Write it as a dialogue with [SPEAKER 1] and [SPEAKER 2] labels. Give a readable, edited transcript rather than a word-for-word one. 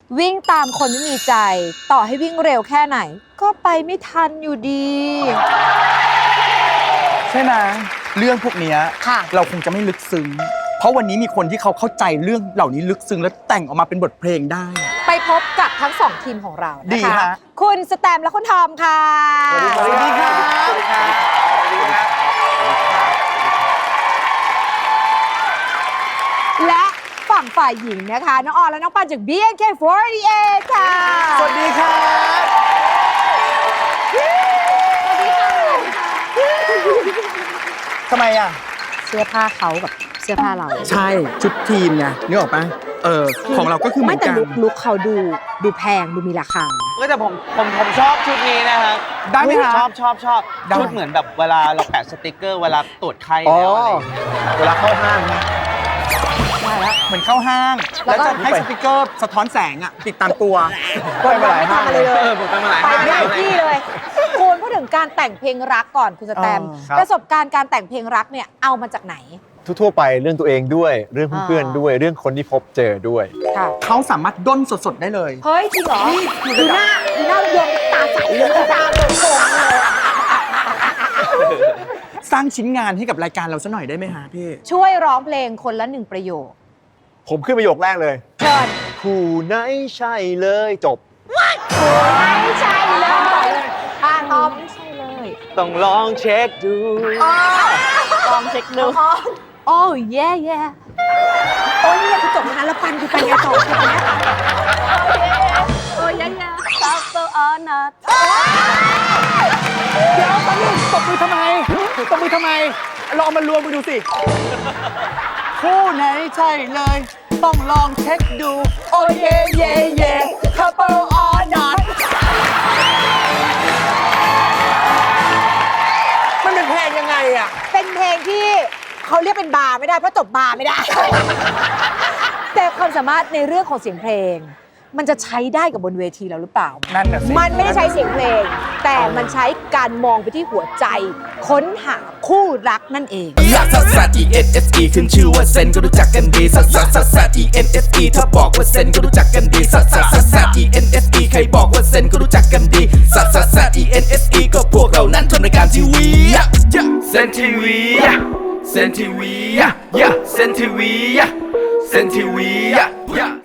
[SPEAKER 1] วิ่งตามคนไม่มีใจต่อให้วิ่งเร็วแค่ไหน ก็ไปไม่ทันอยู่ดี
[SPEAKER 2] ใช่ไหมเรื่องพวกเนี้ย
[SPEAKER 1] ค่ะ
[SPEAKER 2] เราคงจะไม่ลึกซึ้งเพราะวันนี้มีคนที่เขาเข้าใจเรื่องเหล่านี้ลึกซึ้งและแต่งออกมาเป็นบทเพลงได้
[SPEAKER 1] ไปพบกับทั้งสองทีมของเรา
[SPEAKER 2] ดี
[SPEAKER 1] นะคะ
[SPEAKER 2] ฮะ
[SPEAKER 1] คุณสแตมและคุณทอมค่ะ
[SPEAKER 2] สวัสดีครับสวัสดีครับ
[SPEAKER 1] และฝั่งฝ่ายหญิงนะคะน้องออนและน้องปันจาก BNK48 ค่ะ
[SPEAKER 2] สวัสดีครับ ทำไมอ่ะ
[SPEAKER 1] เสื้อผ้าเขากับเสื้อผ้าเรา
[SPEAKER 2] ใช่ชุดทีมไงนึกออกปะของเราก็คือเหมื
[SPEAKER 1] ไม่
[SPEAKER 2] อน
[SPEAKER 1] แต่
[SPEAKER 2] กัน
[SPEAKER 1] ลุคเขาดูแพงดูมีราคา
[SPEAKER 3] ก็แต่ผมชอบชุดนี้นะครับ
[SPEAKER 2] ได้ไหมฮะ
[SPEAKER 3] ชอบ
[SPEAKER 2] ได้
[SPEAKER 3] ชุดเหมือนแบบเวลาเราแปะสติกเกอร์เวลาตรวจไข้แล้วอะไรอย่างเงี้ย
[SPEAKER 4] เวลาเข้าห้างนะ
[SPEAKER 1] ได้แล้ว
[SPEAKER 2] เหมือนเข้าห้าง
[SPEAKER 1] แล้
[SPEAKER 2] แล้ว
[SPEAKER 1] วก็
[SPEAKER 2] จะให้สติกเกอร์สะท้อนแสงอ่ะติดตามตัว
[SPEAKER 1] คนเราไม่ทำอะไรเลย
[SPEAKER 3] ผมไปมาหลาย
[SPEAKER 1] ไป
[SPEAKER 3] ห้าง
[SPEAKER 1] ไม่ได้
[SPEAKER 3] แล้ว
[SPEAKER 1] ที่เลยคุณพูดถึงการแต่งเพลงรักก่อนคุณสแตม
[SPEAKER 4] ครับ
[SPEAKER 1] ประสบการณ์การแต่งเพลงรักเนี่ยเอามาจากไหน
[SPEAKER 4] ทั่วๆไปเรื่องตัวเองด้วยเรื่องเพื่อนๆด้วยเรื่องคนที่พบเจอด้วย
[SPEAKER 1] ค่ะ
[SPEAKER 2] เขาสามารถด้นสดๆได้เลย
[SPEAKER 1] เฮ้ยจริงเหรอ
[SPEAKER 2] นี่
[SPEAKER 1] ดูหน้าโยมตาใสเลยตาโป่งๆเลย
[SPEAKER 2] สร้างชิ้นงานให้กับรายการเราซะหน่อยได้ไหมฮะพี่
[SPEAKER 1] ช่วยร้องเพลงคนละหนึ่งประโยค
[SPEAKER 4] ผมขึ้นประโยคแรกเลย
[SPEAKER 1] เชิญ
[SPEAKER 4] ผู้ไหนใช่เลยจบ
[SPEAKER 1] ไม่ใช่เลยอ่ะทอมไม่ใช่เลย
[SPEAKER 3] ต้องลองเช็คดู
[SPEAKER 1] ลองเช็คดูโอ้ยแย่โอ้ยเนี่ยคือจบแล้วนะแล้วปันคือไปไงต่อคือเนี่ยโอ้ยแย่ซับโซออนัท
[SPEAKER 2] เดี๋ยวตอนนี้ตบมือทำไมลองมารวมกันดูสิ คู่ไหนใช่เลย ต้องลองเช็คดู โอ้เย่เย่เย่ couple or not มันเป็นเพลงยังไงอ่ะ
[SPEAKER 1] เป็นเพลงที่เขาเรียกเป็นบาร์ไม่ได้เพราะจบบาร์ไม่ได้ แต่ความสามารถในเรื่องของเสียงเพลง มันจะใช้ได้กับบนเวทีเราหรือเปล่า
[SPEAKER 2] นั่นน่ะสิ
[SPEAKER 1] มันไม่ได้ใช้เสียงเพลง แต่มันใช้การมองไปที่หัวใจ ค้นหาคู่รักนั่นเอง
[SPEAKER 5] ลักซัสซัส E N S E ขึ้นชื่อว่าเซนก็รู้จักกันดีซัสซัสซัสซัส E N S E ถ้าบอกว่าเซนก็รู้จักกันดีซัสซัสซัสซัส E N S E ใครบอกว่าเซนก็รู้จักกันดีซัสซัสซัส E N S E ก็พวกเรานั้นทำรายการทีวีเซนทีวีเซนทีวีเซนทีวีเซนทีวี